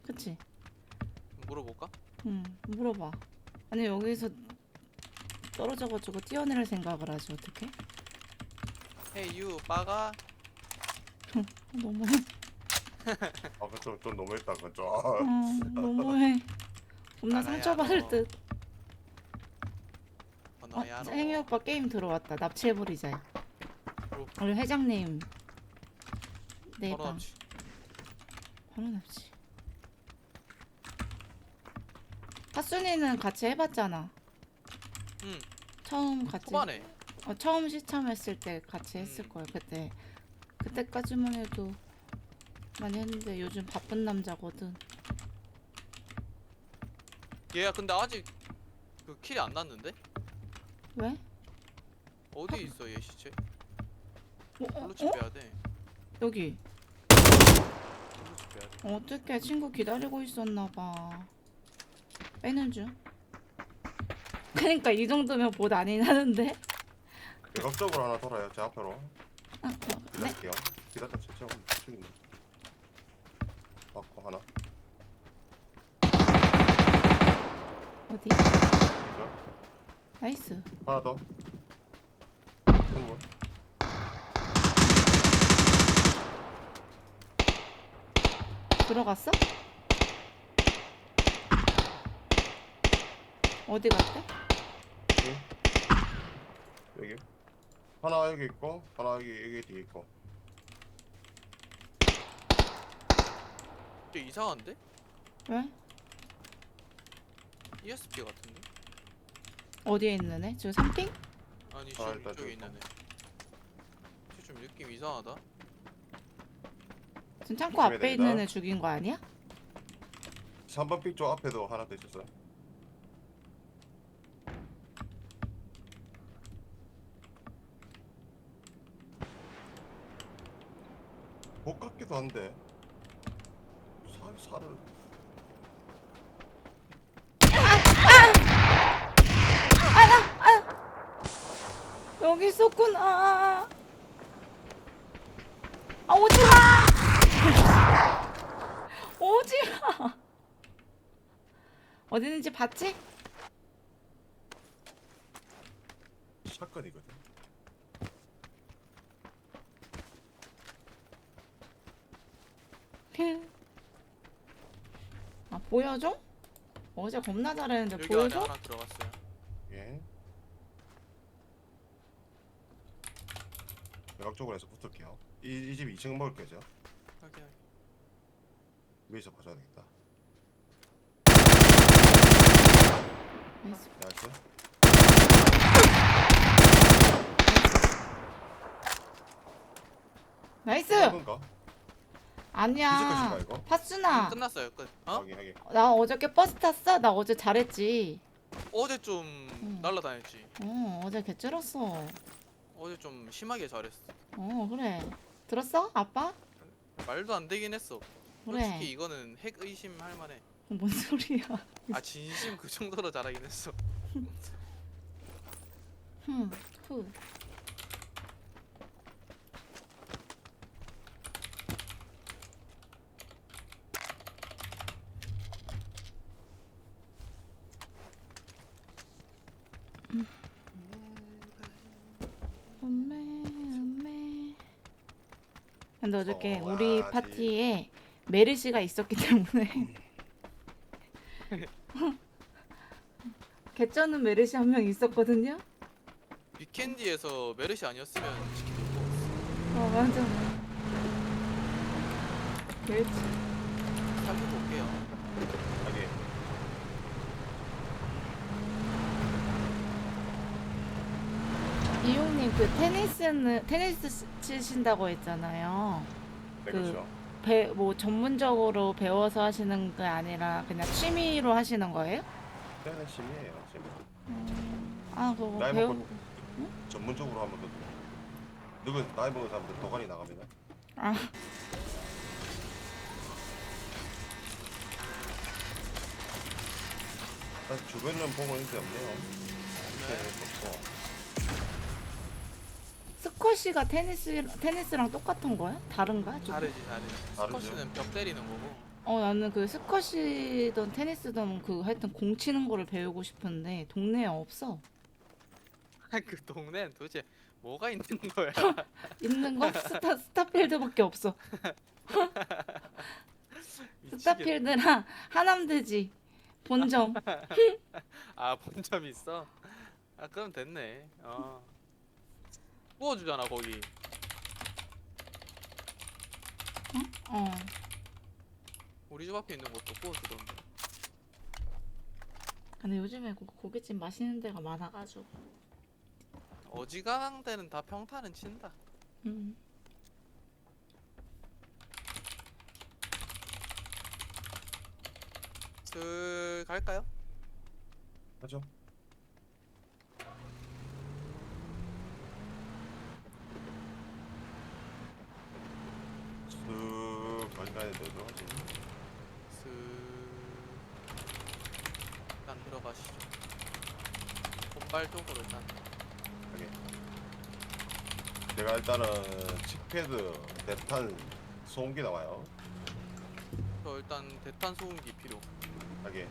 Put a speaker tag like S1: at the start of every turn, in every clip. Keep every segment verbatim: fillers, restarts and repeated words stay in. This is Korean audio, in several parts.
S1: 그치?
S2: 물어볼까?
S1: 응, 물어봐. 아니 여기서 떨어져가지고 뛰어내릴 생각을 하지 어떡해?
S2: 헤이 유 빠가.
S1: 너무해.
S3: 아, 그건 좀, 좀 너무했다. 그건 좀.
S1: 어, 너무해. 겁나
S2: 나가야
S1: 상처받을
S2: 너.
S1: 듯. 어,
S2: 번호야 너.
S1: 행이 오빠 게임 들어왔다. 납치해버리자.
S2: 로.
S1: 우리 회장님. 네
S2: 번호
S1: 방.
S2: 없지.
S1: 바로 납치. 하순이는 같이 해봤잖아.
S2: 응.
S1: 처음 같이.
S2: 초반에.
S1: 어, 처음 시참했을 때 같이 했을
S2: 음.
S1: 거야 그때. 그때까지만 해도 많이 했는데 요즘 바쁜 남자거든.
S2: 얘야 근데 아직 그 킬이 안 났는데?
S1: 왜?
S2: 어디 있어 얘 시체?
S1: 어? 어?
S2: 블루칩
S1: 어?
S2: 빼야 돼.
S1: 여기.
S2: 블루칩 빼야 돼.
S1: 어떻게 친구 기다리고 있었나봐. 빼는 중. 그러니까 이 정도면 봇 아닌 하는데.
S3: 대각적으로 하나 돌아요. 제 앞으로.
S1: 아, 어, 네.
S3: 기다릴게요. 기다렸다 진짜 죽이네. 맞고 하나.
S1: 어디?
S3: 이거.
S1: 나이스.
S3: 하나 더. 한번.
S1: 들어갔어? 어디 갔대?
S3: 여기. 하나 여기 있고, 하나 여기 여기 뒤에 있고.
S2: 쟤 이상한데?
S1: 왜?
S2: 이에스피 같은데?
S1: 어디에 있는 애? 지금 삼 핑?
S2: 아니
S3: 아,
S2: 지금
S3: 일단
S2: 이쪽에
S3: 좀
S2: 있는 애. 쟤좀 느낌 이상하다.
S1: 지금 창고
S3: 조심해야
S1: 앞에
S3: 됩니다.
S1: 있는 애 죽인 거 아니야?
S3: 삼 번 픽 쪽 앞에도 하나 더 있었어요. 못 같기도 한데. 살 살을.
S1: 여기 있었구나. 아, 오지 마! 오지 마! 어디 있는지 봤지?
S3: 샷건이거든.
S1: 아, 보여줘? 어제 겁나 잘했는데
S2: 여기 안에
S1: 보여줘?
S2: 하나 들어갔어요.
S3: 예. 외곽 쪽으로 해서 붙을게요. 이, 이 집 이 층 먹을 거죠?
S2: 확인.
S3: 위에서 봐줘야 되겠다.
S1: 나이스.
S3: 나이스.
S1: 나이스!
S3: 이건가?
S1: 아니야.
S3: 피지컬인가, 이거?
S1: 파순아.
S2: 끝났어요 끝. 어?
S3: 하긴 하긴.
S1: 나 어저께 버스 탔어? 나 어제 잘했지.
S2: 어제 좀
S1: 응.
S2: 날라다녔지.
S1: 어, 어제 개쩔었어.
S2: 어제 좀 심하게 잘했어.
S1: 어, 그래. 들었어? 아빠?
S2: 말도 안 되긴 했어.
S1: 그래.
S2: 솔직히 이거는 핵 의심할 만해.
S1: 뭔 소리야.
S2: 아 진심 그 정도로 잘하긴 했어.
S1: 흠, 후. 엄매, 엄매. 근데 어저께 우리
S3: 좋아하지.
S1: 파티에 메르시가 있었기 때문에 개쩌는 메르시 한 명 있었거든요.
S2: 위켄디에서 메르시 아니었으면 치킨 못 먹었어.
S1: 어, 맞아. 그렇지.
S2: 살펴 볼게요.
S3: 하긴.
S1: 이용님 그 테니스는 테니스 치- 치신다고 했잖아요.
S3: 네,
S1: 그-
S3: 그렇죠.
S1: 배 뭐 전문적으로 배워서 하시는 게 아니라 그냥 취미로 하시는 거예요?
S3: 때는 심이에요, 심.
S1: 아 그거
S3: 나이
S1: 배우.
S3: 먹고 전문적으로 하면 더 누군 나이 먹은 사람들 도관이 나갑니다.
S1: 아
S3: 사실 주변은 보고 있는데 없네요.
S2: 네.
S3: 없고.
S1: 스쿼시가 테니스 테니스랑 똑같은 거야? 다른가? 좀?
S2: 다르지 다르지.
S3: 다르죠.
S2: 스쿼시는 벽 때리는 거고
S1: 어 나는 그 스쿼시든 테니스든 그 하여튼 공 치는 거를 배우고 싶은데 동네에 없어.
S2: 그 동네는 도대체 뭐가 있는 거야?
S1: 있는 거 스타 스타필드밖에 없어.
S2: 미치겠네.
S1: 스타필드랑 하남대지 본점.
S2: 아, 본점 있어? 아, 그럼 됐네. 어. 구워주잖아, 거기.
S1: 어.
S2: 우리 집 앞에 있는 것도 구워주던데.
S1: 근데 요즘에 고, 고깃집 맛있는 데가 많아가지고.
S2: 어지간한 데는 다 평타는 친다.
S1: 음.
S2: 슬 갈까요?
S3: 하죠. 쓱 가지 가야 돼. 들어가지.
S2: 슬 일단 들어가시죠. 본발 쪽으로 일단.
S3: 가게. 제가 일단은 칙패드, 대탄, 소음기 나와요.
S2: 저 일단 대탄 소음기 필요.
S3: 가게.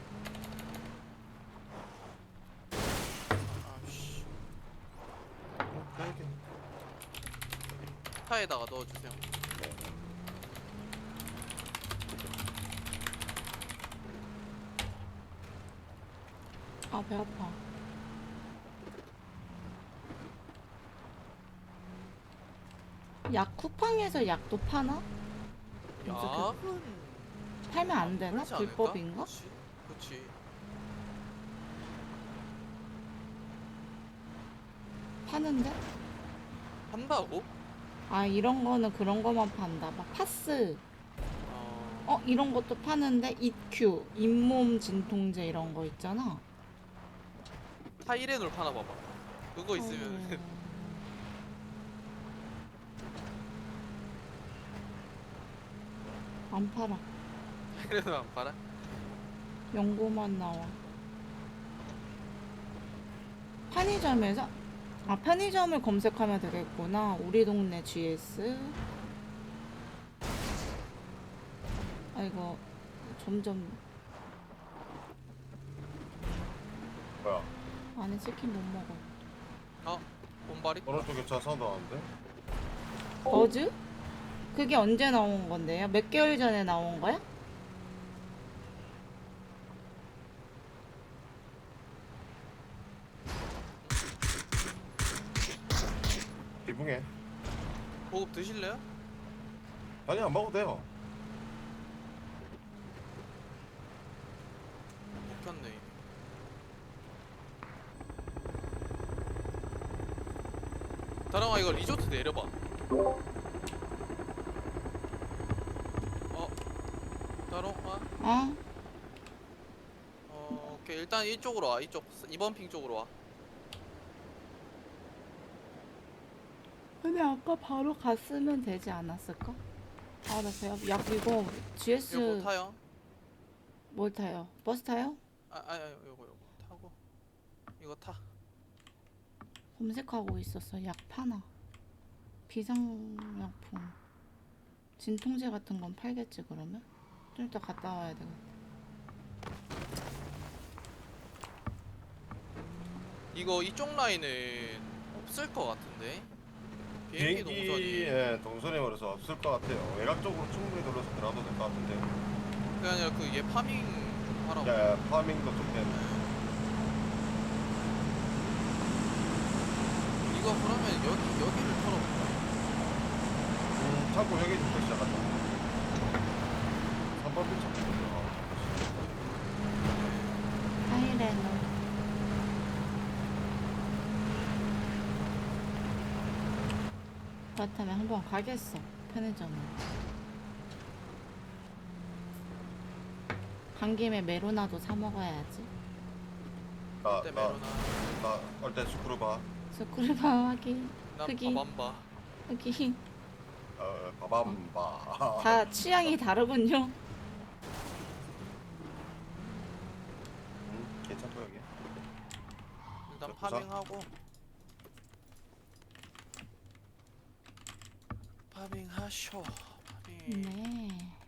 S2: 아씨.
S3: 어, 가게.
S2: 차에다가 넣어주세요.
S3: 네.
S1: 아 배 아파. 약 쿠팡에서 약도 파나?
S2: 약은
S1: 팔면 안 되나?
S2: 그렇지 않을까?
S1: 불법인가?
S2: 그치? 그치.
S1: 파는데?
S2: 한다고?
S1: 아 이런 거는 그런 거만 판다. 막 파스.
S2: 어.
S1: 어 이런 것도 파는데 이큐 잇몸 진통제 이런 거 있잖아.
S2: 타이레놀 파나 봐봐. 그거 있으면
S1: 아이고. 안 팔아.
S2: 타이레놀 안 팔아?
S1: 연고만 나와. 편의점에서? 아 편의점을 검색하면 되겠구나. 우리 동네 지에스. 아 이거 점점
S3: 뭐야?
S1: 안에 치킨 못 먹어.
S2: 어? 본발이?
S3: 오른쪽에 차 사운드 나는데?
S1: 버즈? 그게 언제 나온 건데요? 몇 개월 전에 나온 거야?
S3: 기붕해.
S2: 보급 드실래요?
S3: 아니 안 먹어도 돼요.
S2: 못 켰네. 이미. 다랑아 이거 리조트 내려봐. 어? 다롱아?
S1: 어?
S2: 어 오케이 일단 이쪽으로 와. 이쪽 이번 핑 쪽으로 와.
S1: 근데 아까 바로 갔으면 되지 않았을까? 아, 나 배 아파. 야, 이거 지에스
S2: 이거 뭐 타요?
S1: 뭘 타요? 버스 타요?
S2: 아 아니 아니 요거 요거 타고 이거 타.
S1: 검색하고 있었어. 약 파나. 비상약품. 진통제 같은 건 팔겠지, 그러면? 좀 이따 갔다 와야 되겠다.
S2: 이거 이쪽 라인은 없을 것 같은데. 비행기 동선이.
S3: 비행기에 동선이 멀어서 없을 것 같아요. 외곽 쪽으로 충분히 돌려서 들어가도 될 것 같은데.
S2: 그게 아니라 그 얘 파밍 좀 하라고.
S3: 야, 파밍도 좀 되네.
S2: 이거 그러면 여기 여기를 털어볼까?
S3: 음, 자꾸 여기부터 시작한다. 삼 번 필 찾고 들어가.
S1: 타이레놀. 그렇다면 한번 가겠어. 편의점에. 간 김에 메로나도 사 먹어야지.
S3: 나,
S2: 그때
S3: 나,
S2: 메로나.
S3: 나, 얼때 스크루바.
S1: 스크루바 확인.
S2: 난
S1: 크기.
S2: 밥안봐.
S1: 여기
S3: 어, 바밤바.
S1: 다 취향이 다르군요.
S3: 음, 괜찮고 여기.
S2: 일단
S3: 저 부산?
S2: 파밍하고. 파밍하쇼. 파밍.
S1: 네.